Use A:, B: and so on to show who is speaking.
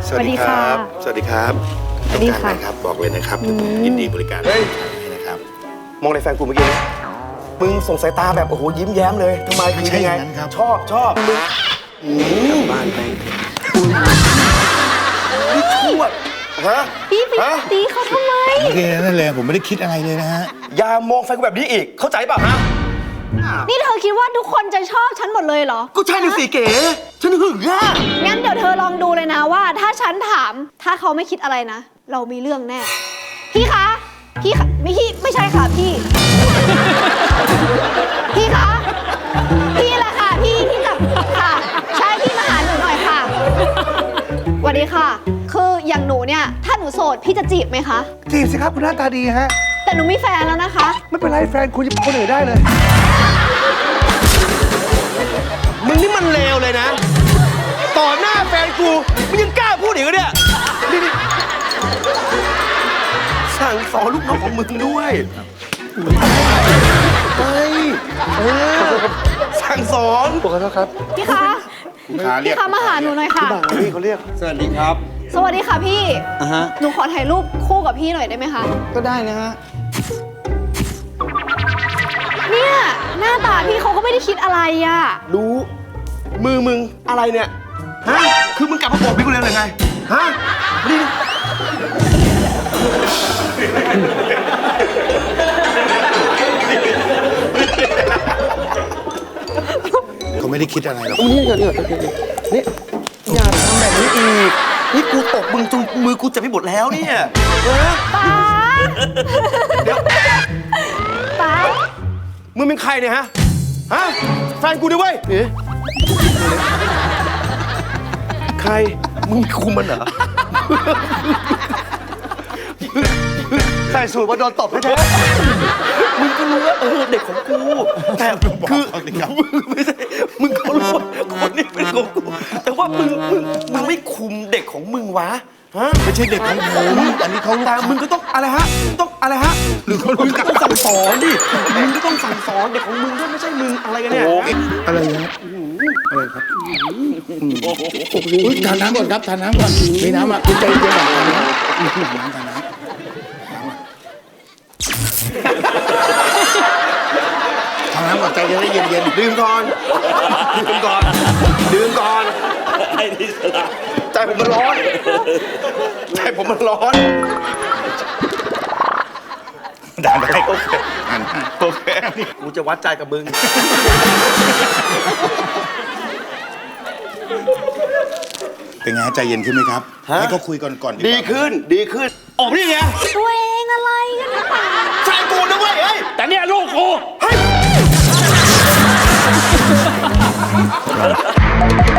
A: สวัสดีครับ
B: สวัสดีครับ
A: สวัสดีค่ะ
B: ครับบอกเลยนะครับยินดีบริการให้นะครับมองในแฟนกูเมื่อกี้มึงส่งสายตาแบบโอ้โหยิ้มแย้มเลยทำไมคือยังไงชอบมึงบ้านแม่งนี่ชั่วฮะ
A: พี่ไปตีเขาทำไม
C: ไม่ได้นั่นเลยผมไม่ได้คิดอะไรเลยนะฮะ
B: อย่ามองแฟนกูแบบนี้อีกเข้าใจป่ะฮะ
A: นี่เธอคิดว่าทุกคนจะชอบฉันหมดเลยเหรอ
B: ก็ใช่ดิสิเก๋ฉันหึงอ่ะ
A: งั้นเดี๋ยวเธอลองดูเลยนะว่า ถ้าฉันถามถ้าเขาไม่คิดอะไรนะ เรามีเรื่องแน่ พี่คะพี่คะไม่ใช่ค่ะพี่ พี่คะพี่แหละค่ะพี่ที่กลับค่ะใช่พี่มาหาหนูหน่อยค่ะสวัสดีค่ะ คืออย่างหนูเนี่ยถ้าหนูโสดพี่จะจีบไหมคะ
D: จีบสิครับคุณหน้าตาดีฮะ
A: แต่หนูมีแฟนแล้วนะคะ
D: ไม่เป็นไรแฟนคุณจะเป็นคนอื่นได้เลย
B: มึงนี่มันเลวเลยนะต่อหน้าแฟนกูมึงยังกล้าพูดอีกเหรอเนี่ยนี่สั่งสอนลูกน้องของมึงด้วยไปสั่งสอน
D: ขอโทษครับ
A: พี่คะพี่คะมาหาหนูหน่อยค่ะ
D: พี่เขาเรียก
E: สวัสดีครับ
A: สวัสดีค่ะพี่
E: ฮะ
A: หนูขอถ่ายรูปคู่กับพี่หน่อยได้ไหมคะ
E: ก็ได้นะฮะ
A: เนี่ยหน้าตาพี่เขาก็ไม่ได้คิดอะไรอะ
B: รู้มือมึงอะไรเนี่ยฮะคือมึงกลับมาบอกพี่กูเลยหรือไงฮะนี่
C: เขาไม่ได้คิดอะไรหรอก
B: นี่นี่อย่าทำแบบนี้อีกนี่กูตบมึงจนมือกูเจ็บไปหมดแล้วเนี่ยฮะ
A: ป๊า
B: เดี๋ยว
A: ป๊า
B: มึงเป็นใครเนี่ยฮะฮะแฟนกูด้วยเว้ยใครมึงคุมมันเหรอใส่สูตรมาโดนตบแท้ๆมึงก็รู้ว่าเด็กของกูแต่คือไม่ใช่มึงก็รู้ว่าคนนี้เป็นของกูแต่ว่ามึงไม่คุมเด็กของมึงวะฮะ
C: ไม่ใช่เด็กของผมอันนี้เขาลูก
B: แต่
C: ค้า
B: มึงก็ต้องอะไรฮะต้องอะไรฮะ
C: หรือเขา
B: มึ
C: รู้
B: ง
C: จั
B: ก็
C: ก
B: ต้องสั่งสอนดิมึงก็ต้องสั่งสอนเด็กของมึงด้วยไม่ใช่มึงอะไรกันเนี่ย
C: อะไรนะอะไรครับอุ๊ยทานน้ำก่อนครับทานน้ำก่อนมีน้ำอ่ะคุณใจเย็นก่อนทานน้ำทานน้ำก่อนใจเย็นเย็น
B: ดื่มก่อนใจผมมันร้อน
C: ได้โอเค
B: โอเคกูจะวัดใจกับมึง
C: เป็นไงใจเย็นขึ้นไหมครับ
B: ฮะ
C: ให้เขาคุยก่อนดีกว่า
B: ดีขึ้นออกมาดิไง
A: ตัวเองอะไรกันนะป๊า
B: แฟนกูนะเว้ยเฮ้ย
E: แต่เนี่ยลูกกู
B: เฮ้ย